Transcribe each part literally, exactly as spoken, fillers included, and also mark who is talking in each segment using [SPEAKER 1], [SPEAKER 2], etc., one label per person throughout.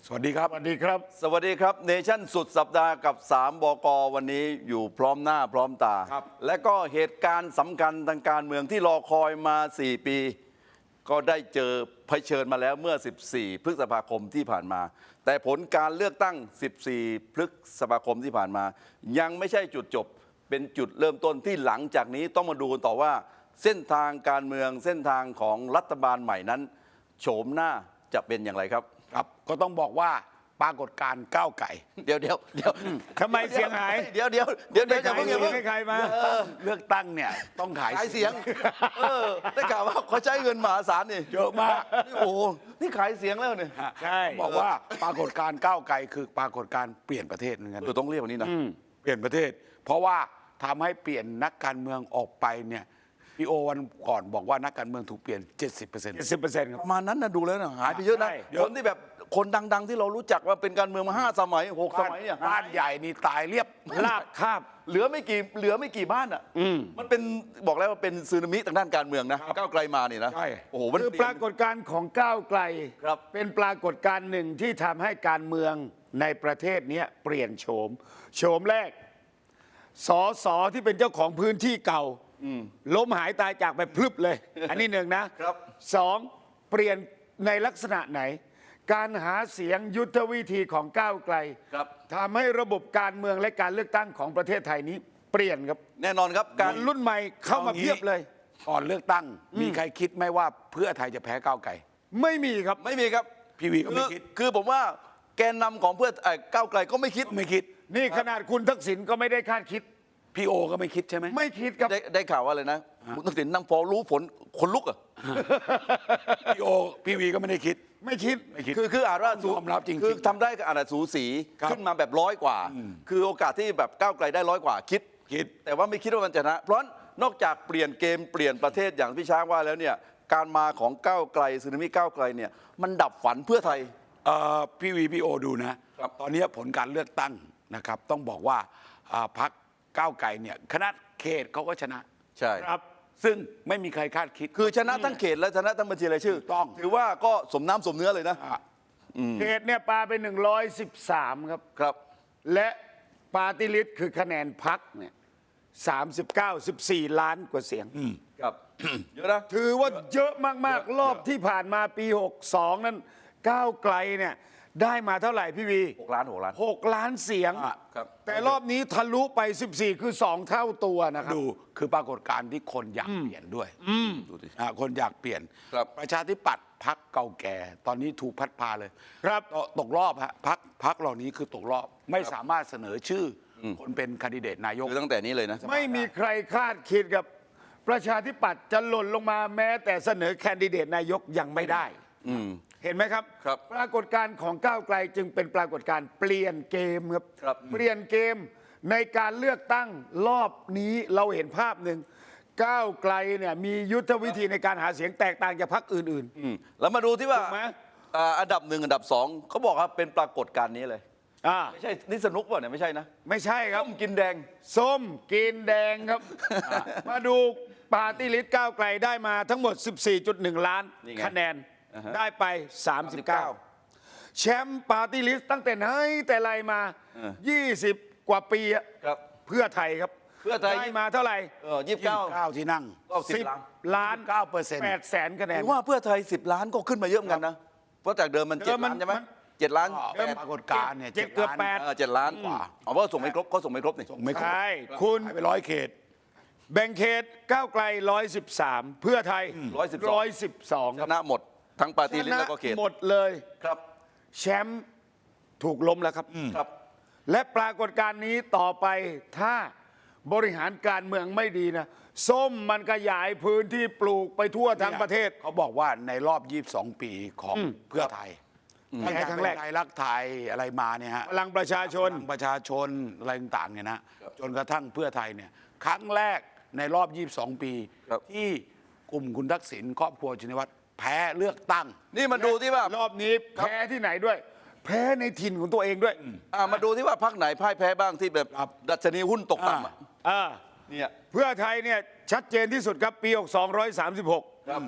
[SPEAKER 1] สวัสดีครับ
[SPEAKER 2] สวัสดีครับ
[SPEAKER 3] สวัสดีครับเนชั่นสุดสัปดาห์กับสามบก.วันนี้อยู่พร้อมหน้าพร้อมตา
[SPEAKER 1] ครับ
[SPEAKER 3] และก็เหตุการณ์สำคัญทางการเมืองที่รอคอยมา สี่ ปี ก็ได้เจอเผชิญมาแล้วเมื่อ สิบสี่ พฤษภาคมที่ผ่านมา แต่ผลการเลือกตั้ง สิบสี่ พฤษภาคมที่ผ่านมา ยังไม่ใช่จุดจบเป็นจุดเริ่มต้นที่หลังจากนี้ต้องมาดูกันต่อว่า เส้นทางการเมืองเส้นทางของรัฐบาลใหม่นั้นโฉมหน้าจะเป็นอย่างไรครับ
[SPEAKER 1] ครับก็ต้องบอกว่าปรากฏการณ์ก้าวไก่
[SPEAKER 3] เดี๋ยวเดี๋ยวเดี๋ยว
[SPEAKER 2] ทำไมเสียงหาย
[SPEAKER 3] เดี๋ยวเดี๋ยวเดี๋ยวเดี๋ยวจะเพิ่งอย่าเพิ่ง
[SPEAKER 2] ให้ใครมา
[SPEAKER 1] เลือกตั้งเนี่ยต้องขาย
[SPEAKER 3] ขายเสียงเออได้ข่าวว่าเขาใช้เงินมหาศาลนี่
[SPEAKER 1] เยอะมาก
[SPEAKER 3] นี่โอ้โหนี่ขายเสียงแล้วเนี่ย
[SPEAKER 1] ฮะ
[SPEAKER 2] ใช่
[SPEAKER 1] บอกว่าปรากฏการณ์ก้าวไก่คือปรากฏการณ์เปลี่ยนประเทศเหมือนกัน
[SPEAKER 3] เออต้องเรียกว่านี้นะ
[SPEAKER 1] เปลี่ยนประเทศ เพราะว่าทำให้เปลี่ยนนักการเมืองออกไปเนี่ยพี่โอวันก่อนบอกว่านักการเมืองถูกเปลี่ยน เจ็ดสิบเปอร์เซ็นต์
[SPEAKER 2] สิบเปอร์เซ็นต์ครับ
[SPEAKER 3] ประมาณนั้นนะดูแล้วนะหายไปเยอะนะ
[SPEAKER 2] ใช่
[SPEAKER 3] คนที่แบบคนดัง ๆ ที่เรารู้จักว่าเป็นการเมืองมาห้าสมัยหกสมัยเนี่ย
[SPEAKER 1] บ้านใหญ่นี่ตายเรียบ
[SPEAKER 2] ลาบคาบ
[SPEAKER 3] เหลือไม่กี่เหลือไม่กี่บ้านอ่ะมันเป็นบอกแล้วว่าเป็นสึนามิทางด้านการเมืองนะก้าวไกลมานี่นะ
[SPEAKER 1] ใช่
[SPEAKER 3] โอ้โหมัน
[SPEAKER 2] คือปรากฏการณ์ของก้าวไกล
[SPEAKER 3] ครับ
[SPEAKER 2] เป็นปรากฏการณ์หนึ่งที่ทำให้การเมืองในประเทศเนี้ยเปลี่ยนโฉมโฉมแรกสอสอที่เป็นเจ้าของพื้นที่เก่าล้มหายตายจากไปพลึบเลย อันนี้หนึ่งนะครับ สองเปลี่ยนในลักษณะไหน การหาเสียงยุทธวิธีของก้าวไกล
[SPEAKER 3] ครับ
[SPEAKER 2] ทำให้ระบบการเมืองและการเลือกตั้งของประเทศไทยนี้เปลี่ยนครับ
[SPEAKER 3] แน่นอนครับ
[SPEAKER 2] กา
[SPEAKER 3] การ
[SPEAKER 2] รรุ่นใหม่เข้ามาเพียบเลย
[SPEAKER 1] ก่อนเลือกตั้งมีใครคิดไหมว่าเพื่อไทยจะแพ้ก้าวไก่
[SPEAKER 2] ไม่มีครับ
[SPEAKER 3] ไม่มีครับ
[SPEAKER 1] พี่วีก็ไม่
[SPEAKER 3] อ
[SPEAKER 1] คิด
[SPEAKER 3] คือผมว่าแกนนำของเพื่อเอ่อก้าวไกลก็ไม่คิด
[SPEAKER 1] ไม่คิด
[SPEAKER 2] นี่ขนาดคุณทักษิณก็ไม่ได้คาดคิด
[SPEAKER 1] พี่โอก็ไม่คิดใช่ไหม
[SPEAKER 2] ไม่คิดครับ
[SPEAKER 3] ได้ได้ข่าวว่าอะไรนะคุณทักษิณนั่งพอรู้ผลคนลุกอ่ะ
[SPEAKER 1] พี่โอพี่วีก็ไม่ได้คิด
[SPEAKER 2] ไม่คิด
[SPEAKER 1] ไม่คิด
[SPEAKER 3] คือคืออาจว่าสู
[SPEAKER 1] ยอมรับจริงๆ
[SPEAKER 3] คือทำได้ก็อาจจะสูสี
[SPEAKER 1] ครับ
[SPEAKER 3] ขึ้นมาแบบร้อยกว่า คือโอกาสที่แบบก้าวไกลได้ร้อยกว่าคิด
[SPEAKER 1] คิด
[SPEAKER 3] แต่ว่าไม่คิดว่ามันจะชนะ เพราะนอกจากเปลี่ยนเกมเปลี่ยนประเทศอย่างพี่ช้างว่าแล้วเนี่ยการมาของก้าวไกลสึนามิก้าวไกลเนี่ยมันดับฝันเพื่อไทย
[SPEAKER 1] เอ่อพี่วีพี่โอดูนะครับ ตอนนี้ผลการเลือกตั้งนะครับ ต้องบอกว่าอ่าพรรคก้าวไกลเนี่ยคณะเขตเขาก็ชนะ
[SPEAKER 3] ใช่
[SPEAKER 2] ครับ
[SPEAKER 1] ซึ่งไม่มีใครคาดคิด
[SPEAKER 3] คือชนะทั้งเขตและชนะทั้งบัญชีรายชื่อ
[SPEAKER 1] ถูกต้อง
[SPEAKER 3] ถือว่าก็สมน้ำสมเนื้อเลยนะ
[SPEAKER 1] อ่ะ
[SPEAKER 2] เขตเนี่ยปาไปหนึ่งร้อยสิบสามครับ
[SPEAKER 3] ครับ
[SPEAKER 2] และปาร์ตี้ลิสต์คือคะแนนพักเนี่ยสามสิบเก้าสิบสี่ล้านกว่าเสียง
[SPEAKER 3] ครับ เยอะนะ
[SPEAKER 2] ถือว่าเยอะมาก ๆ รอบที่ผ่านมาปี หกสอง นั้นก้าวไกลเนี่ยได้มาเท่าไหร่พี่วี
[SPEAKER 3] หกล้านหกล้าน
[SPEAKER 2] หกล้านเสียง
[SPEAKER 1] อ่ะ
[SPEAKER 3] ครับ
[SPEAKER 2] แต่รอบนี้ทะลุไป สิบสี่ คือ สอง เท่าตัวนะครับ
[SPEAKER 1] ดูคือปรากฏการณ์ที่คนอยากเปลี่ยนด้วย
[SPEAKER 3] ดูดิ
[SPEAKER 1] อ่ะคนอยากเปลี่ยน
[SPEAKER 3] ครับ
[SPEAKER 1] ประชาธิปัตย์พักเก่าแก่ ตอนนี้ถูกพัดพาเลย
[SPEAKER 2] ครับ
[SPEAKER 1] ตกตกรอบฮะพักพักเหล่านี้คือตกรอบไม่สามารถเสนอชื่ออคนเป็นคนดิเดตนายก
[SPEAKER 3] คือตั้งแต่นี้เลยนะ
[SPEAKER 2] ไม่มีใครคาดคิดกับประชาธิปัตย์จะหล่นลงมาแม้แต่เสนอแคนดิเดตนายกยังไม่ได้
[SPEAKER 3] อืม
[SPEAKER 2] เห็นไหมครับ
[SPEAKER 3] ครับ
[SPEAKER 2] ปรากฏการณ์ของก้าวไกลจึงเป็นปรากฏการณ์เปลี่ยนเกมครับ
[SPEAKER 3] ครับ
[SPEAKER 2] เปลี่ยนเกมในการเลือกตั้งรอบนี้เราเห็นภาพหนึ่งก้าวไกลเนี่ยมียุทธวิธีในการหาเสียงแตกต่างจากพรรคอื่น
[SPEAKER 3] อืมแล้วมาดูที่ว่า
[SPEAKER 2] ถูกไหม
[SPEAKER 3] อ่าอันดับหนึ่งอันดับสองเขาบอกว่าเป็นปรากฏการณ์นี้เลย
[SPEAKER 2] ๆอ่า
[SPEAKER 3] ไม่ใช่นี่สนุกป่ะเนี่ยไม่ใช่นะ
[SPEAKER 2] ไม่ใช่ครับ
[SPEAKER 3] ต้มกินแดง
[SPEAKER 2] ส้มกินแดงครับ มาดูปาร์ตี้ลิสต์ก้าวไกลได้มาทั้งหมด สิบสี่จุดหนึ่ง ล้าน
[SPEAKER 3] นี่ไง
[SPEAKER 2] คะแนน
[SPEAKER 3] อ่าฮะ
[SPEAKER 2] ได้ไป สามสิบเก้า แชมป์ปาร์ตี้ลิสต์ตั้งแต่ไหนแต่ไรมา
[SPEAKER 3] เออ
[SPEAKER 2] ยี่สิบ กว่าปีอะ
[SPEAKER 3] ครับ
[SPEAKER 2] เพื่อไทยครับ
[SPEAKER 3] เพื่อไทย
[SPEAKER 2] ได้มาเท่าไหร่
[SPEAKER 3] เออยี่สิบเก้า
[SPEAKER 1] เก้าที่นั่ง
[SPEAKER 3] ก็สิบล้าน
[SPEAKER 2] ล้าน
[SPEAKER 1] เก้าเปอร์เซ็นต์
[SPEAKER 2] แปดแสนคะแน
[SPEAKER 3] ผ
[SPEAKER 2] น
[SPEAKER 3] มว่าเพื่อไทยสิบล้านก็ขึ้นมาเยอะเหมือนกันนะ เพราะจากเดิมมัน
[SPEAKER 2] เดิ
[SPEAKER 3] เจ็ด
[SPEAKER 2] มมัน
[SPEAKER 3] ล้านใช่ไหม
[SPEAKER 2] มัน
[SPEAKER 3] เจ็ดล้าน
[SPEAKER 1] ก็ปรากฏการณ์เนี่ย
[SPEAKER 2] เจ็ดเกือบ
[SPEAKER 1] ล้าน
[SPEAKER 2] แปด
[SPEAKER 3] เออเจ็ดล้านกว่าเอาว่าส่งไม่ครบเขาส่งไม่ครบนี่
[SPEAKER 1] ส่งไม่ครบ
[SPEAKER 2] ใช่คุณ
[SPEAKER 1] หายไปร้อยเขต
[SPEAKER 2] แบ่งเขตก้าวไกลร้อยสิบสามเพื่อไทย
[SPEAKER 3] ร้อยสิบสอง
[SPEAKER 2] ร้อยสิบสอง
[SPEAKER 3] ชนะหมดทั้งปาร์ตี้ลิสต์แล้วก็เขต
[SPEAKER 2] หมดเลย
[SPEAKER 3] ครับ
[SPEAKER 2] แชมป์ถูกล้มแล้วครับ
[SPEAKER 3] ครับ
[SPEAKER 2] และปรากฏการณ์นี้ต่อไปถ้าบริหารการเมืองไม่ดีนะ ส้มมันขยายพื้นที่ปลูกไปทั่วทั้งประเทศ
[SPEAKER 1] เขาบอกว่าในรอบ ยี่สิบสอง ปีของเพื่อไทย
[SPEAKER 2] แพ้ครั้งแรก
[SPEAKER 1] ไทยรักไทยอะไรมาเนี่ยฮะ
[SPEAKER 2] พลังประชาชน
[SPEAKER 1] พลังประชาชนอะไรต่างๆเนี่ยนะจนกระทั่งเพื่อไทยเนี่ยครั้งแรกในรอบ ยี่สิบสอง ปี
[SPEAKER 3] ครับ
[SPEAKER 1] ที่กลุ่มคุณทักษิณครอบครัวชินวัตรแพ้เลือกตั้ง
[SPEAKER 3] นี่มาดูที่ว่าร
[SPEAKER 2] อบนี้แพ้ที่ไหนด้วย แพ้ในถิ่นของตัวเองด้วย
[SPEAKER 3] อ่ามาดูที่ว่าพรรคไหนพ่ายแพ้บ้างที่แบบ
[SPEAKER 1] ครับ
[SPEAKER 3] ดัชนีหุ้นตกต่ำอะ
[SPEAKER 2] อ่า
[SPEAKER 3] เนี่ย
[SPEAKER 2] เพื่อไทยเนี่ยชัดเจนที่สุดครับปีหกสองร้อยสามสิบหก
[SPEAKER 3] ครับ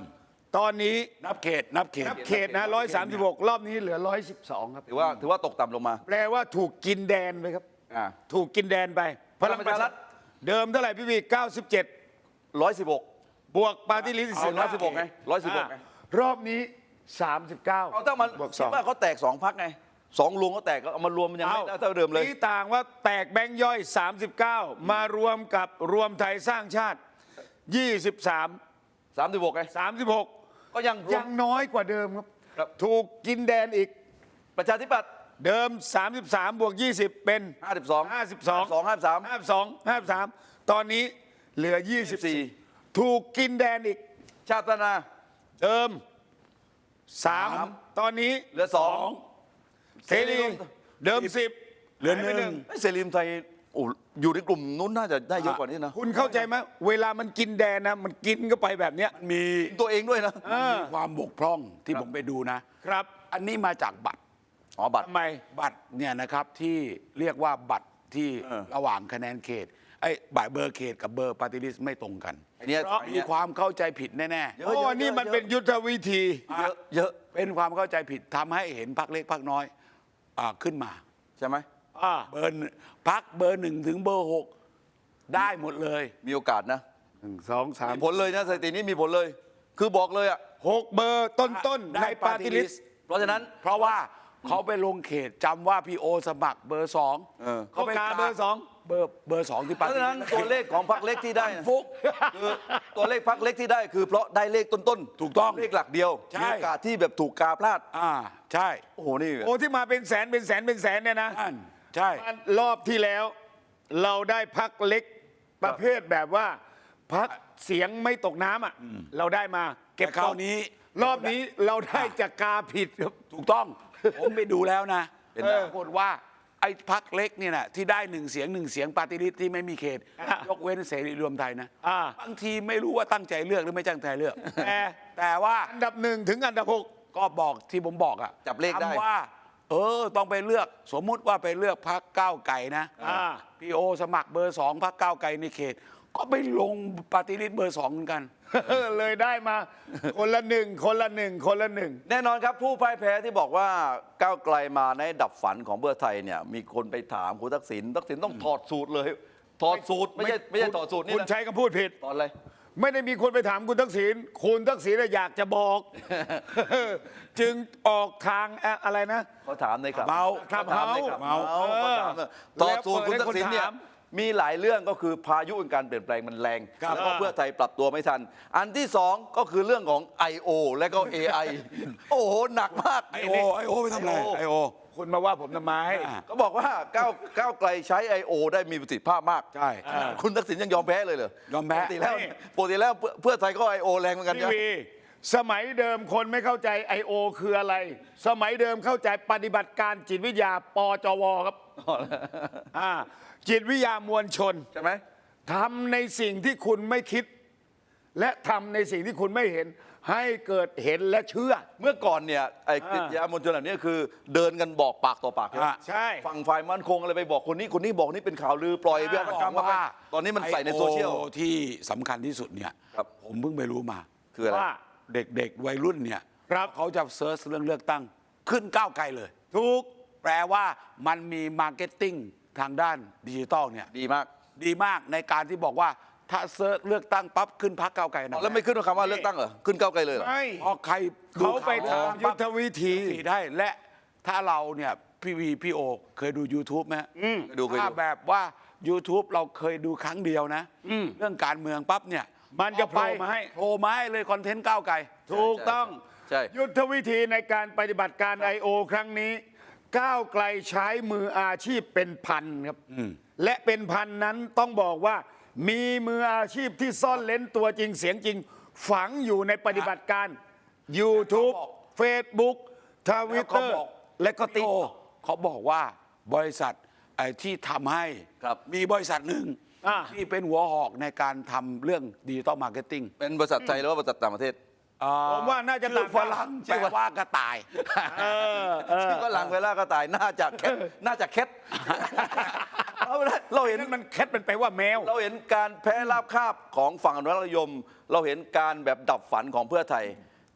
[SPEAKER 2] ตอนนี้
[SPEAKER 1] นับเขตนับเขต
[SPEAKER 2] นับเขตนะร้อยสามสิบหกรอบนี้เหลือร้อยสิบสองครับ
[SPEAKER 3] ถือว่าถือว่าตกต่ำลงมา
[SPEAKER 2] แปลว่าถูกกินแดนไปครับ
[SPEAKER 3] อ่า
[SPEAKER 2] ถูกกินแดนไป
[SPEAKER 3] พลังประชารัฐ
[SPEAKER 2] เดิมเท่าไหร่พี่วีเก้าสิบเจ็ด
[SPEAKER 3] ร้อยสิบหก
[SPEAKER 2] บวกปาร์ตี้ลิสต์
[SPEAKER 3] เอาร้อยสิบหกไงร้อยสิบหกไง
[SPEAKER 2] รอบนี้สามสิบเก้า
[SPEAKER 3] เอาถ้ามัน
[SPEAKER 2] บวกส
[SPEAKER 3] คิ
[SPEAKER 2] อ
[SPEAKER 3] ด
[SPEAKER 2] ง
[SPEAKER 3] ว่าเขาแตกสองพักไงสองลุงเขาแตกก็เอามารวมมันยังไม่ได้เท่าเดิมเลย
[SPEAKER 2] นี่ต่างว่าแตกแบงค์ย่อย สามสิบเก้า มารวมกับรวมไทยสร้างชาติ ยี่สิบสาม
[SPEAKER 3] สามสิบหกไง
[SPEAKER 2] สามสิบหก
[SPEAKER 3] ก็ยังรว
[SPEAKER 2] ยั
[SPEAKER 3] ม
[SPEAKER 2] งน้อยกว่าเดิมครับ
[SPEAKER 3] ครับ
[SPEAKER 2] ถูกกินแดนอีก
[SPEAKER 3] ประชาธิปัตย์
[SPEAKER 2] เดิม สามสิบสาม บวก ยี่สิบ เป็น
[SPEAKER 3] ห้าสิบสอง
[SPEAKER 2] ห้าสิบสอง
[SPEAKER 3] สองห้าสาม
[SPEAKER 2] ห้าสิบสอง ห้าสิบสาม ตอนนี้เหลือ ยี่สิบสี่
[SPEAKER 3] ยี่สิบสี่
[SPEAKER 2] ถูกกินแดนอีก
[SPEAKER 3] ชาติพัฒนา
[SPEAKER 2] เดิมสาม
[SPEAKER 3] สาม
[SPEAKER 2] ตอนนี้
[SPEAKER 3] เหลือสอง
[SPEAKER 2] เสรีเดิมสิบ
[SPEAKER 1] เหลือ
[SPEAKER 2] หายไป
[SPEAKER 1] หนึ่ง
[SPEAKER 3] เอ้ยเสรีรวมไทยโอ้อยู่ในกลุ่มนู้นน่าจะได้เยอะกว่านี้นะ
[SPEAKER 2] คุณเข้าใจไหมเวลามันกินแดนนะ มันกินก็ไปแบบเนี้ย
[SPEAKER 1] มันมี
[SPEAKER 3] ตัวเองด้วยนะ
[SPEAKER 2] อ่า
[SPEAKER 1] มีความบกพร่องที่ผมไปดูนะ
[SPEAKER 2] ครับ
[SPEAKER 1] อันนี้มาจากบัตร
[SPEAKER 3] อ๋อบัตร
[SPEAKER 2] ทำไม
[SPEAKER 1] บัตรเนี่ยนะครับที่เรียกว่าบัตรที่
[SPEAKER 3] เออ
[SPEAKER 1] ระหว่างคะแนนเขตไอ้บัตรเบอร์เขตกับเบอร์ปาร์ตี้ลิสต์ไม่ตรงกัน
[SPEAKER 3] อันเนี้ย
[SPEAKER 2] เพราะ
[SPEAKER 3] อัน
[SPEAKER 1] มี
[SPEAKER 3] เนี้ย
[SPEAKER 1] ความเข้าใจผิดแน่
[SPEAKER 3] เย
[SPEAKER 2] โอ้
[SPEAKER 3] อะเยอะ
[SPEAKER 2] นี่มันเป็นยุทธวิธี
[SPEAKER 3] เยอะเยอะ
[SPEAKER 1] ๆ เป็นความเข้าใจผิดทำให้เห็นพักเล็กพักน้อยอาขึ้นมา
[SPEAKER 3] ใช่ไหม
[SPEAKER 2] อ่า
[SPEAKER 1] เบอร์หนึ่งพักเบอร์หนึ่งถึงเบอร์หกได้หมดเลย
[SPEAKER 3] มีโอกาสนะ
[SPEAKER 2] หนึ่งสองสาม
[SPEAKER 3] มีผลเลยนะสถิตินี้มีผลเลย คือบอกเลยอ่ะ
[SPEAKER 2] หกเบอร์ต้นๆ
[SPEAKER 1] ได้
[SPEAKER 2] ในปาร์ตี้ลิส
[SPEAKER 1] party
[SPEAKER 2] ต์
[SPEAKER 3] เพราะฉะนั้น
[SPEAKER 1] เพราะว่าเขาไปลงเขตจำว่าพี่โอสมัครเบอร์สอง
[SPEAKER 3] เออ
[SPEAKER 2] เขากาเบอร์สอง
[SPEAKER 1] เบอร์เบอร์สองที่
[SPEAKER 3] เพ
[SPEAKER 1] ปาร์
[SPEAKER 3] ราะ
[SPEAKER 1] ตี้
[SPEAKER 3] ฉะนั้น
[SPEAKER 1] ลิสต์
[SPEAKER 3] ตัวเลขของพรรคเล็กที่ได้นะ
[SPEAKER 1] ฟุก
[SPEAKER 3] คือตัวเลขพรรคเล็กที่ได้คือเพราะได้เลขต้นๆ
[SPEAKER 1] ถูกต้อง
[SPEAKER 3] เลขหลักเดียว
[SPEAKER 1] ใช่
[SPEAKER 3] มีโอกาสที่แบบถูกกาพลาด
[SPEAKER 1] อ่าใช่
[SPEAKER 3] โอ้โหนี่
[SPEAKER 2] โอ้ที่มาเป็นแสนเป็นแสนเป็นแสนเนี่ยนะ
[SPEAKER 1] นั่นใช่
[SPEAKER 2] รอบที่แล้ว เราได้พักเล็กประเภทแบบว่าพักเสียงไม่ตกน้ำอ่ะเราได้มาเก็บ
[SPEAKER 1] แต่คราวนี้
[SPEAKER 2] รอบนี้เราได้จากกาผิดครับ
[SPEAKER 1] ถูกต้อง ผมไปดูแล้วนะ
[SPEAKER 3] เป็น
[SPEAKER 1] ปรากฏว่าไอ้พักเล็กเนี่ยนะที่ได้หนึ่งเสียงหนึ่งเสียงปาร์ตี้ลิสต์ที่ไม่มีเขต
[SPEAKER 2] อ่ะ
[SPEAKER 1] ยกเว้นเสรีรวมไทยนะ
[SPEAKER 2] อ่า
[SPEAKER 1] บางทีไม่รู้ว่าตั้งใจเลือกหรือไม่ตั้งใจเลือก
[SPEAKER 2] แต่
[SPEAKER 1] แต่ว่า
[SPEAKER 2] อันดับหนึ่งถึงอันดับหก
[SPEAKER 1] ก็บอกที่ผมบอกอะ
[SPEAKER 3] จับเลขได้
[SPEAKER 1] คำว่า เออต้องไปเลือกสมมุติว่าไปเลือกพักก้าวไก่นะ
[SPEAKER 2] อ่า
[SPEAKER 1] พี่โอสมัครเบอร์สองพักก้าวไก่ในเขต ก็ไปลงปาร์ตี้ลิสต์เบอร์สองเหมือนกัน
[SPEAKER 2] เลยได้มา คนละหนึ่งคนละหนึ่งคนละหนึ่ง
[SPEAKER 3] แน่นอนครับผู้พ่ายแพ้ที่บอกว่าก้าวไกลมาในดับฝันของเพื่อไทยเนี่ยมีคนไปถามคุณทักษิณทักษิณต้องถอดสูตรเลย ถอดสูตรไม่ใช่ไม่ใช่ถอดสูตรนี่
[SPEAKER 2] คุณ
[SPEAKER 3] นะ
[SPEAKER 2] ใช้คำพูดผิด
[SPEAKER 3] ตอนอะไร
[SPEAKER 2] ไม่ได้มีคนไปถามคุณทักษิณคุณทักษิณน่ะอยากจะบอก จึงออกทางอะอะไรนะ
[SPEAKER 3] เขาถามในครับ
[SPEAKER 1] เมา
[SPEAKER 3] เขาถามในครับ
[SPEAKER 1] เมา
[SPEAKER 3] เมาเขาถามเลยต่อสูตรคุณทักษิณเนี่ย
[SPEAKER 2] แล้วเปิดให้คนถาม
[SPEAKER 3] มีหลายเรื่องก็คือพายุแห่งการเปลี่ยนแปลงมันแรง
[SPEAKER 2] ครับ
[SPEAKER 3] แล้วก็เพื่อไทยปรับตัวไม่ทัน อันที่สองก็คือเรื่องของ ไอ โอ และก็ เอ ไอ โอ้โหหนักมาก
[SPEAKER 1] ไอโอไอโอไปทำอะไรไอโอ
[SPEAKER 2] คุณมาว่าผมทำไม
[SPEAKER 1] อ่า
[SPEAKER 3] ก็บอกว่าก้าวก้าวไกลใช้ ไอ โอ ได้มีประสิทธิภาพมาก
[SPEAKER 1] ใช่
[SPEAKER 3] ขนาดคุณทักษิณยังยอมแพ้เลยเหรอย
[SPEAKER 1] อมแพ้
[SPEAKER 3] ปกติแล้ว
[SPEAKER 2] นี่
[SPEAKER 3] ปกติแล้วเพื่อเพื่อไทยก็ ไอ โอ แรงเหมือนกัน
[SPEAKER 2] ที
[SPEAKER 3] นะ
[SPEAKER 2] วีสมัยเดิมคนไม่เข้าใจ ไอ โอ คืออะไร สมัยเดิมเข้าใจปฏิบัติการจิตวิทยาปจวครับอ่าจิตวิทยามวลชน
[SPEAKER 3] ใช่ไหม
[SPEAKER 2] ทำในสิ่งที่คุณไม่คิด และทำในสิ่งที่คุณไม่เห็น ให้เกิดเห็นและเชื่อ
[SPEAKER 3] เมื่อก่อนเนี่ยไอ้
[SPEAKER 2] อ่า
[SPEAKER 3] กิจยามวลชนเหล่านี้คือเดินกันบอกปากต่อปากใช่ไหม
[SPEAKER 1] อ่า
[SPEAKER 2] ใช่
[SPEAKER 3] ฝั่งฝ่ายมั่นคงอะไรไปบอกคนนี้คนนี้บอกนี่เป็นข่าวลือปล่อยเรื่องกรรมว่าตอนนี้มันใส่ในโซเชียล
[SPEAKER 1] ไอ้ O ที่สำคัญที่สุดเนี่ย
[SPEAKER 3] ครับ
[SPEAKER 1] ผมเพิ่งไปรู้มา
[SPEAKER 3] คืออะไร
[SPEAKER 2] ว่า
[SPEAKER 1] เด็กๆ วัยรุ่นเนี่ย
[SPEAKER 2] ครับ
[SPEAKER 1] เขาจะเซิร์ชเรื่องเลือกตั้ง ขึ้นก้าวไกลเลย
[SPEAKER 2] ถูก
[SPEAKER 1] แปลว่ามันมีมาร์เก็ตติ้งทางด้านดิจิตอลเนี่ย
[SPEAKER 3] ดีมาก
[SPEAKER 1] ดีมากในการที่บอกว่าถ้าเซิร์ชเลือกตั้งปั๊บขึ้นพักก้าวไกลนะ
[SPEAKER 3] แล้วไม่ขึ้นคำว่าเลือกตั้งเหรอขึ้นก้าวไกลเลยเหรอ
[SPEAKER 2] ไม่
[SPEAKER 1] เพราะใครดู
[SPEAKER 2] เขาไป
[SPEAKER 1] ข่ว
[SPEAKER 2] ทำยุทธวิธี
[SPEAKER 1] สีได้และถ้าเราเนี่ยพี่วีพี่โอเคยดู YouTube ไหมฮะ
[SPEAKER 3] เคยดูเคยดู
[SPEAKER 1] ถ้าแบบว่า YouTube เราเคยดูครั้งเดียวนะ เรื่องการเมืองปั๊บเนี่ย
[SPEAKER 2] มันจะโผล่มาให้
[SPEAKER 1] โผล่มาให้เลยคอนเทนต์ก้าวไกล
[SPEAKER 2] ถูกต้อง
[SPEAKER 3] ใช่
[SPEAKER 2] ยุทธวิธีในการปฏิบัติการ ไอ โอ ครั้งนี้ ก้าวไกลใช้มืออาชีพเป็นพันครับ และเป็นพันนั้นต้องบอกว่า มีมืออาชีพที่ซ่อนเลนตัวจริงเสียงจริง ฝังอยู่ในปฏิบัติการ YouTube
[SPEAKER 1] เขาบอก
[SPEAKER 2] Facebook ทวิ
[SPEAKER 1] แล้ว
[SPEAKER 2] ต
[SPEAKER 1] เขา
[SPEAKER 2] เตอร์
[SPEAKER 1] บอก
[SPEAKER 2] และก็ติ๊ก
[SPEAKER 1] โอ้เขาบอกว่าบริษัทไอ้ที่ทำให้
[SPEAKER 3] ครับ
[SPEAKER 1] มีบริษัทหนึ่ง
[SPEAKER 2] อ่า
[SPEAKER 1] ที่เป็นหัวหอกในการทำเรื่องดิจิตอลมาร์เก็ตติ้ง
[SPEAKER 3] เป็นบริษัทไทยหรือว่าบริษัทต่างประเทศ
[SPEAKER 2] ผมว่าน่าจะ
[SPEAKER 1] ชื่อ
[SPEAKER 2] ต่าง
[SPEAKER 1] ฝรั่งแปลว่ากระต่าย
[SPEAKER 2] เออเออ
[SPEAKER 3] ชื่อก็หลังเวลาก็ตายน่าจะแคทน่าจะแคทเอาละเราเห็น
[SPEAKER 2] นั่นมันแคทเป็นไปว่าแมว
[SPEAKER 3] เราเห็นการแพ้ราบคาบของฝั่งอนุรักษ์นิยม เราเห็นการแบบดับฝันของเพื่อไทย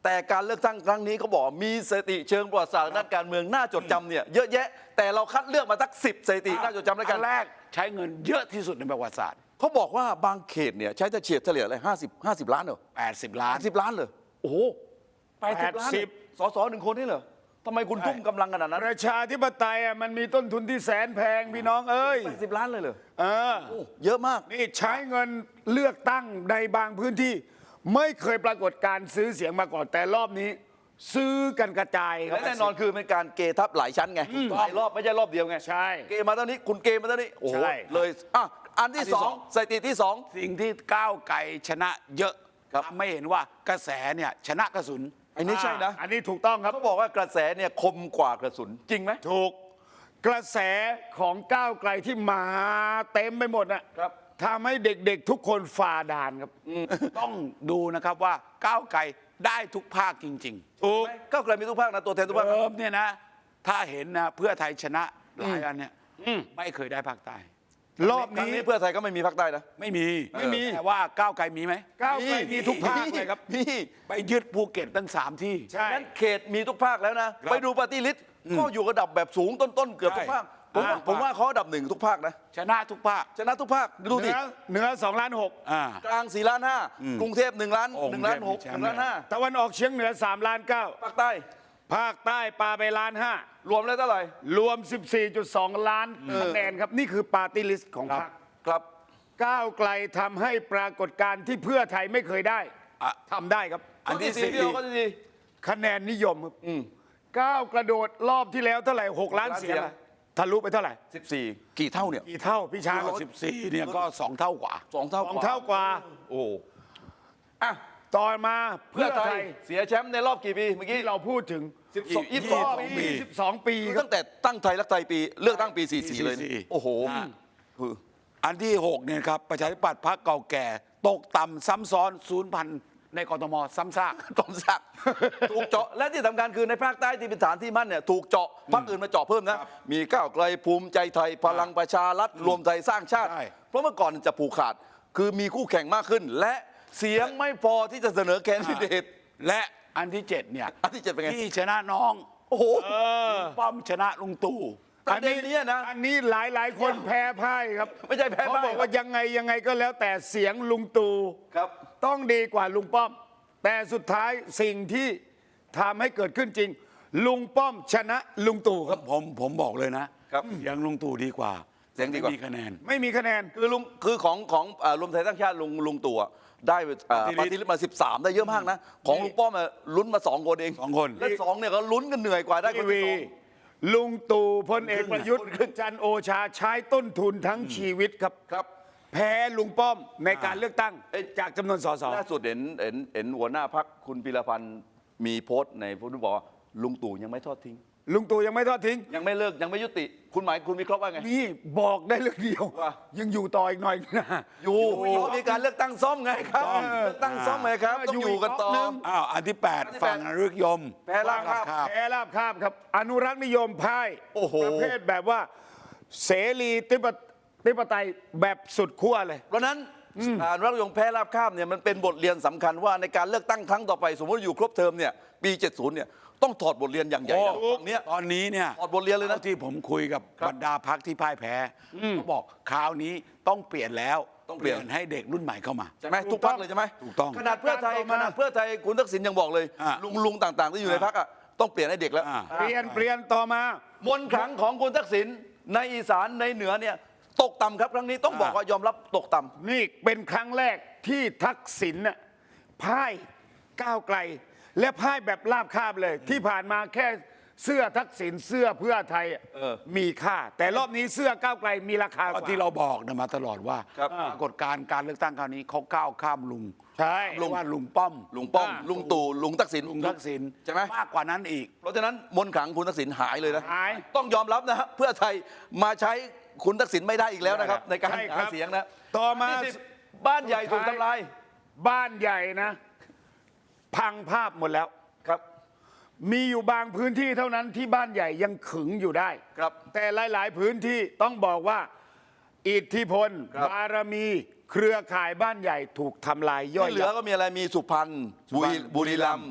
[SPEAKER 3] แต่การเลือกตั้งครั้งนี้เขาบอกมีสถิติเชิงประวัติศาสตร์ด้านการเมืองน่าจดจำเนี่ยเยอะแยะ แต่เราคัดเลือกมาสักสิบสถิติน่าจดจำแล้วกั
[SPEAKER 1] อั
[SPEAKER 3] น
[SPEAKER 1] นแรกใช้เงินเยอะที่สุดในประวัติศาสตร์
[SPEAKER 3] เขาบอกว่าบางเขตเนี่ยใช้จะเฉียดเฉลี่ยอะไรห้าสิบห้าสิบล้านเหรอ
[SPEAKER 1] แปดสิบล้าน
[SPEAKER 3] สิบล้านเหรอโอ้โหแปดสิบล้าน
[SPEAKER 2] แปดสิบ
[SPEAKER 3] สสหนึ่งคนนี่เหรอทำไมคุณทุ่มกำลังขนาดนั้น
[SPEAKER 2] ประชาธิปไตยอ่ะมันมีต้นทุนที่แสนแพงพี่น้องเอ้ย
[SPEAKER 3] แปดสิบล้านเลยเหรอ
[SPEAKER 2] เออ
[SPEAKER 3] โอ้เยอะมาก
[SPEAKER 2] นี่ใช้เงินเลือกตั้งในบางพื้นที่ ไม่เคยปรากฏการซื้อเสียงมาก่อนแต่รอบนี้ ซื้อกันกระจายครั
[SPEAKER 3] และ
[SPEAKER 2] บ
[SPEAKER 3] แน่นอนคือเป็นการเกทับหลายชั้นไงหลายรอบไม่ใช่รอบเดียวไง
[SPEAKER 2] ใช่
[SPEAKER 3] เกมาเท่านี้คุณเกมาเท่านี้โอ้โห
[SPEAKER 2] ใช่
[SPEAKER 3] เลยอ่ะอันที่
[SPEAKER 1] อันที่
[SPEAKER 3] สอ
[SPEAKER 1] สอง ง
[SPEAKER 3] สถิติที่สอง
[SPEAKER 1] สิ่งที่ก้าวไกลชนะเยอะ
[SPEAKER 3] ครับ
[SPEAKER 1] ทำให้เห็นว่ากระแสเนี่ยชนะกระสุน
[SPEAKER 3] อันนี้ใช่นะ
[SPEAKER 2] อันนี้ถูกต้องครับ
[SPEAKER 3] เขาบอกว่ากระแสเนี่ยคมกว่ากระสุนจริงไหม
[SPEAKER 2] ถูกกระแสของก้าวไกลที่มาเต็มไปหมดนะครับ ทำให้เด็กๆทุกคนฝ่าด่านครับ
[SPEAKER 1] ต้องดูนะครับว่าก้าวไกลได้ทุกภาคจริง
[SPEAKER 2] ถูก
[SPEAKER 3] ก้าวไกลมีทุกภาคนะตัวแทนทุก
[SPEAKER 1] ๆ
[SPEAKER 3] ภาคนะ
[SPEAKER 1] เดิมเนี่ยนะถ้าเห็นนะเพื่อไทยชนะหลายอันเนี่ยไม่เคยได้ภาคใต้
[SPEAKER 2] รอบ
[SPEAKER 3] ครั้ง
[SPEAKER 2] นี้
[SPEAKER 3] นี้เพื่อไทยก็ไม่มีภาคใต้นะ
[SPEAKER 1] ไม่มี
[SPEAKER 2] ไม่มี
[SPEAKER 1] แต่ว่าก้าวไกลมีไหม
[SPEAKER 2] ก้าวไกลมีทุกภาคเลยครับ
[SPEAKER 3] มี
[SPEAKER 1] ไปยึดภูเก็ตตั้งสามที่
[SPEAKER 2] ใช่
[SPEAKER 3] นั้นเขตมีทุกภาคแล้วนะ
[SPEAKER 1] ครับ
[SPEAKER 3] ไปดูปฏิริษีก็อยู่ระดับแบบสูงต้นๆเกือบทุกภาคผมว่า
[SPEAKER 1] อ่า
[SPEAKER 3] ผมว่าเขาอันดับหนึ่งทุกภาคนะ
[SPEAKER 1] ชนะทุกภาค
[SPEAKER 3] ชนะทุกภาคดู
[SPEAKER 2] เห
[SPEAKER 3] ดิ
[SPEAKER 2] นือเหนือสองล้านหก
[SPEAKER 1] อ่า
[SPEAKER 3] กลางสี่ล้านห้ากรุงเทพหนึ่งล้าน
[SPEAKER 1] โอ้
[SPEAKER 3] หนึ่งล้านหก
[SPEAKER 1] กรุงเทพมีแช
[SPEAKER 3] ห
[SPEAKER 1] มป์
[SPEAKER 3] นึ่งล้านห้า
[SPEAKER 2] ตะวันออกเฉียงเหนือสามล้านเก้า
[SPEAKER 3] ภาคใต้
[SPEAKER 2] ภาคใต้ปาไปล้านห้าร
[SPEAKER 3] วมแล้วเท่าไหร่
[SPEAKER 2] รวม สิบสี่จุดสอง ล้านคะแนนครับ นี่คือปาร์ตี้ลิสต์ของพรรค
[SPEAKER 3] ครับ
[SPEAKER 2] ก้าวไกลทำให้ปรากฏการณ์ที่เพื่อไทยไม่เคยได้
[SPEAKER 1] อ่ะ
[SPEAKER 2] ทำได้ครับ
[SPEAKER 1] อันที่
[SPEAKER 3] สี่
[SPEAKER 1] สี่
[SPEAKER 3] พี่โอก็ดี
[SPEAKER 2] คะแนนนิยมครับก้าวกระโดดรอบที่แล้วเท่าไหร่หกล้าน
[SPEAKER 3] ล้านเสี
[SPEAKER 2] เสีย
[SPEAKER 3] ย
[SPEAKER 2] ง
[SPEAKER 3] ง
[SPEAKER 2] อะทะลุไปเท่าไหร่
[SPEAKER 3] สิบสี่กี่เท่าเนี่ย
[SPEAKER 2] กี่เท่าพี่ช้าง
[SPEAKER 1] สิบสี่เนี่ยก็สองเท่ากว่า
[SPEAKER 3] สองเท่า
[SPEAKER 2] สองเท่ากว่า
[SPEAKER 3] โอ้อ่ะ
[SPEAKER 2] ต่อมา
[SPEAKER 3] เพื่
[SPEAKER 2] เพื่
[SPEAKER 3] อ
[SPEAKER 2] อ
[SPEAKER 3] ไท
[SPEAKER 2] ไท
[SPEAKER 3] ย
[SPEAKER 2] ย
[SPEAKER 3] เสียแชมป์ในรอบกี่ปีเมื่อกี้
[SPEAKER 2] ที่เราพูดถึง
[SPEAKER 3] สิบสอง
[SPEAKER 1] ยี่
[SPEAKER 3] ยี่
[SPEAKER 1] สิ
[SPEAKER 3] สิ
[SPEAKER 1] บบ ส
[SPEAKER 3] ส
[SPEAKER 1] อ
[SPEAKER 3] อง ง
[SPEAKER 1] ปี
[SPEAKER 3] ปี
[SPEAKER 2] สิบสองปีครับ
[SPEAKER 3] ตั้งแต่ตั้งไทยรักไทยปีเลือกตั้งปีสี่สี่เลย
[SPEAKER 1] สี่สี่
[SPEAKER 3] โอ้โห
[SPEAKER 1] อ่า
[SPEAKER 3] คือ
[SPEAKER 1] อันที่หกเนี่ยครับประชาธิปัตย์พรรคเก่าแก่ ตกต่ำซ้ำซ้อนศูนย์พันในกทมซ้ำซาก
[SPEAKER 3] ต้องสักถูกเจาะและที่สำคัญคือในภาคใต้ที่เป็นฐานที่มั่นเนี่ยถูกเจาะพรรคอื่นมาเจาะเพิ่มนะ มีก้าวไกลภูมิใจไทยพลังประชารัฐรวมไทยสร้างชาติ
[SPEAKER 1] ใช่
[SPEAKER 3] เพราะเมื่อก่อนจะผูกขาด คือมีคู่แข่งมากขึ้น และเสียงไม่พอที่จะเสนอแคนดิเดต
[SPEAKER 1] และอันที่เจ็ดเนี่ย
[SPEAKER 3] อันที่เจ็ดเป็นไง
[SPEAKER 1] ที่ชนะน้อง
[SPEAKER 3] โอ้โห
[SPEAKER 1] ลุงป้อมชนะลุงตู่
[SPEAKER 3] ประเด็นเนี้ยนะ
[SPEAKER 2] อันนี้หลายหลายๆคนแพ้พ่ายครับ
[SPEAKER 3] ไม่ใช่แพ้
[SPEAKER 2] เขา
[SPEAKER 3] พ่าย
[SPEAKER 2] บอกว่ายังไงยังไงก็แล้วแต่เสียงลุงตู่
[SPEAKER 3] ครับ
[SPEAKER 2] ต้องดีกว่าลุงป้อม แต่สุดท้ายสิ่งที่ทำให้เกิดขึ้นจริง ลุงป้อมชนะลุงตู่ครับ
[SPEAKER 1] ผมผมบอกเลยนะครับ ยังลุงตู่ดีกว่า
[SPEAKER 3] เสียงดีกว่า
[SPEAKER 1] ไม่มีคะแนน
[SPEAKER 2] ไม่มีคะแนน
[SPEAKER 3] คือลุงคือของของอ่ารวมไทยสร้างชาติลุงลุงตู่อะได้อ่า
[SPEAKER 1] ป
[SPEAKER 3] ป
[SPEAKER 1] ฏิ
[SPEAKER 3] ฏิ
[SPEAKER 1] ริ
[SPEAKER 3] ริ
[SPEAKER 1] ษี
[SPEAKER 3] ษีมาสิบสามได้เยอะมากนะ ของลุงป้อมอะลุ้นมาสองคนเอง
[SPEAKER 1] สองคน
[SPEAKER 3] และสองเนี่ยก็ลุ้นกันเหนื่อยกว่าได้ค
[SPEAKER 2] ที
[SPEAKER 3] น
[SPEAKER 2] วี
[SPEAKER 3] ที่สอง
[SPEAKER 2] ลุงตู่พลเอกประยุทธ์
[SPEAKER 3] คนครึ่ง
[SPEAKER 2] จันทร์โอชาใช้ต้นทุนทั้งชีวิตครับ
[SPEAKER 3] ครับ
[SPEAKER 2] แพ้ลุงป้อมในการเลือกตั้ง
[SPEAKER 3] เอ้ย
[SPEAKER 2] จากจำนวนสส
[SPEAKER 3] ล่าสุดเห็นเห็นเห็นหัวหน้าพักคุณพิรพันธ์มีโพสต์ในโพสต์ที่บอกว่าลุงตู่ยังไม่ทอดทิ้ง
[SPEAKER 2] ลุงตู่ยังไม่ทอดทิ้ง
[SPEAKER 3] ยังไม่เลิกยังไม่ยุติ คุณหมายคุณวิเคราะห์ว่าไง
[SPEAKER 2] นี่บอกได้เรื่องเดียว
[SPEAKER 3] ว่า
[SPEAKER 2] ยังอยู่ต่ออีกหน่อยนะ
[SPEAKER 3] อยู่เพราะมีการเลือกตั้งซ่อมไงครับเลือกตั้งซ่อมไงครับ ต้องอยู่กันต่อ
[SPEAKER 2] อยู่อีกรอบนึง
[SPEAKER 1] อ้าวอันที่แปด
[SPEAKER 3] อันที่แปด
[SPEAKER 1] ฝั่งอนุรักษ์ยม
[SPEAKER 3] แพ้ราบคาบ
[SPEAKER 1] บ
[SPEAKER 2] แพ้ราบคาบครับ อนุรักษ์นิยมพ่าย
[SPEAKER 3] โอ้โห
[SPEAKER 2] ประเภทแบบว่า เสรีติปติปไตยแบบสุดขั้วเลย
[SPEAKER 3] เพราะฉะนั้นอ่ารัฐยงแพ้ราบคาบเนี่ยมันเป็นบทเรียนสำคัญว่าในการเลือกตั้งครั้งต่อไป สมมติอยู่ครบเทอมเนี่ยปีเจ็ดสิบเนี่ยต้องถอดบทเรียนอย่างใหญ่
[SPEAKER 1] โอ้
[SPEAKER 3] นะฝั่งเนี้ย
[SPEAKER 1] ตอนนี้เนี่ย
[SPEAKER 3] ถอดบทเรียนเลยนะ
[SPEAKER 1] ท่าที่ผมคุยกับบรรดาพักที่พ่ายแพ้เขาบอกคราวนี้ต้องเปลี่ยนแล้ว
[SPEAKER 3] ต้องเปลี่ยน
[SPEAKER 1] ให้เด็กรุ่นใหม่เข้ามา
[SPEAKER 3] ใช่ไหมทุกพักเลยใช่ไหม
[SPEAKER 1] ถูกต้อง
[SPEAKER 3] ขนาดเพื่อไทย
[SPEAKER 2] ต่อ
[SPEAKER 3] ข
[SPEAKER 2] มา
[SPEAKER 3] นาดเพื่อไทยคุณทักษิณยังบอกเลย
[SPEAKER 1] อ่ะ
[SPEAKER 3] ลุงลุงต่างๆ ที่อยู่ในพักอ่ะต้องเปลี่ยนให้เด็กแล้ว
[SPEAKER 1] อ่ะ
[SPEAKER 2] เปลี่ยนเปลี่ยนต่อมา
[SPEAKER 3] มนต์ขลังของคุณทักษิณในอีสานในเหนือเนี่ยตกต่ำครับครั้งนี้ต้องบอกว่ายอมรับตกต่ำ
[SPEAKER 2] นี่เป็นครั้งแรกที่ทักษิณน่ะพ่ายก้าวไกล และพ่ายแบบราบคาบเลย ที่ผ่านมาแค่เสื้อทักษิณเสื้อเพื่อไทยอ่ะ
[SPEAKER 3] เออ
[SPEAKER 2] มีค่า แต่รอบนี้เสื้อก้าวไกลมีราคาก
[SPEAKER 1] ก็
[SPEAKER 2] ว่า
[SPEAKER 1] ที่เราบอกนะมาตลอดว่า
[SPEAKER 3] ครับ
[SPEAKER 1] ปรากฏการณ์การเลือกตั้งคราวนี้เขาก้าวข้ามลุง
[SPEAKER 2] ใช่
[SPEAKER 1] ลุงว่าลุงป้อม
[SPEAKER 3] ลุงป้อม
[SPEAKER 2] อ่ะ
[SPEAKER 3] ลุงตู่ลุงทักษิณ
[SPEAKER 1] ลุงทักษิณ
[SPEAKER 3] ใช่ไหม
[SPEAKER 1] มากกว่านั้นอีก
[SPEAKER 3] เพราะฉะนั้นมนต์ขลังคุณทักษิณหายเลยนะ
[SPEAKER 2] หาย
[SPEAKER 3] ต้องยอมรับนะฮะเพื่อไทยมาใช้คุณทักษิณไม่ได้อีกแล้วนะครับ ในการ
[SPEAKER 2] ใช่ครั
[SPEAKER 3] หา
[SPEAKER 2] บ
[SPEAKER 3] เสียงนะ
[SPEAKER 2] ต่อมา
[SPEAKER 3] ที่สิบบ้านใหญ่ถูกทำลาย
[SPEAKER 2] บ้านใหญ่นะ พังภาพหมดแล้ว
[SPEAKER 3] ครับ
[SPEAKER 2] มีอยู่บางพื้นที่เท่านั้นที่บ้านใหญ่ยังขึงอยู่ได้
[SPEAKER 3] ครับ
[SPEAKER 2] แต่หลาย ๆ พื้นที่ต้องบอกว่า อิทธิพล
[SPEAKER 3] ครับ
[SPEAKER 2] บารมี เครือข่ายบ้านใหญ่ถูกทำลายย่อย
[SPEAKER 3] ที่เหลือ
[SPEAKER 2] ยับ
[SPEAKER 3] ก็มีอะไรมีสุพรรณ
[SPEAKER 1] สุพรรณ
[SPEAKER 3] บุรีบุรีรัมย์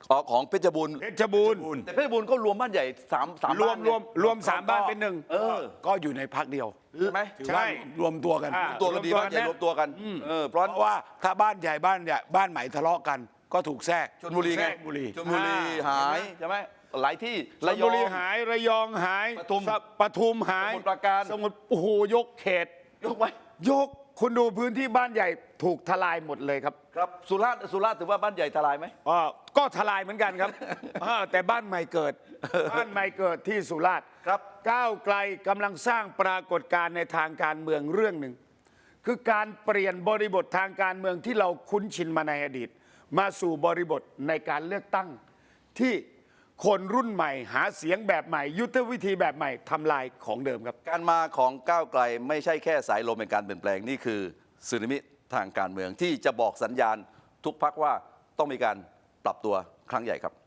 [SPEAKER 3] อ๋อของเพชรบูรณ์
[SPEAKER 2] เพชรบูรณ์
[SPEAKER 3] แต่เพชรบูรณ์ก็รวมบ้านใหญ่สามสาม
[SPEAKER 2] รวม
[SPEAKER 3] บ้านไง
[SPEAKER 2] รวมรวมสามบ้านเป็นหนึ่ง
[SPEAKER 3] เออ
[SPEAKER 1] ก็อยู่ในพักเดียว
[SPEAKER 3] ใช่ไหม
[SPEAKER 1] ถือ
[SPEAKER 2] ใช่
[SPEAKER 1] ว่ารวมตัวกัน
[SPEAKER 2] อ่า
[SPEAKER 3] ตัวกันดี
[SPEAKER 2] รวมตัว
[SPEAKER 3] บ้านใหญ่
[SPEAKER 2] กันนะ
[SPEAKER 3] รวมตัวกันเออเพราะ
[SPEAKER 1] เพราะว่าถ้าบ้านใหญ่บ้านใหญ่บ้านใหม่ทะเลาะกัน ก็ถูกแทรก
[SPEAKER 3] ชลบุรีไง
[SPEAKER 1] แทรกบุรี
[SPEAKER 3] ชลบุรี
[SPEAKER 2] อ่า
[SPEAKER 3] หายใช่ไหมหลายที่
[SPEAKER 2] ระ
[SPEAKER 3] ระ
[SPEAKER 2] ย
[SPEAKER 3] ย
[SPEAKER 2] อ
[SPEAKER 3] อง ง
[SPEAKER 2] หายระยองหาย
[SPEAKER 3] ปทุม
[SPEAKER 2] สปทุมหาย
[SPEAKER 3] สมุทรปราการ
[SPEAKER 2] สมุทรโอ้โหยกเขต
[SPEAKER 3] ยกไว้
[SPEAKER 2] ยกคุณดูพื้นที่บ้านใหญ่ถูกทลายหมดเลยครับ
[SPEAKER 3] ครับสุราษฎร์สุราษฎร์ถือว่าบ้านใหญ่ทลายไหม
[SPEAKER 2] อ่าก็ทลายเหมือนกันครับ อ่าแต่บ้านใหม่เกิด บ้านใหม่เกิดที่สุราษฎร์
[SPEAKER 3] ครับ
[SPEAKER 2] ก้าวไกลกำลังสร้างปรากฏการณ์ในทางการเมืองเรื่องหนึ่ง คือการเปลี่ยนบริบททางการเมืองที่เราคุ้นชินมาในอดีต มาสู่บริบทในการเลือกตั้ง ที่คนรุ่นใหม่หาเสียงแบบใหม่ ยุทธวิธีแบบใหม่ทำลายของเดิมครับ
[SPEAKER 3] การมาของก้าวไกลไม่ใช่แค่สายลมในการเปลี่ยนแปลงนี่คือสึนามิทางการเมืองที่จะบอกสัญญาณทุกพักว่าต้องมีการปรับตัวครั้งใหญ่ครับ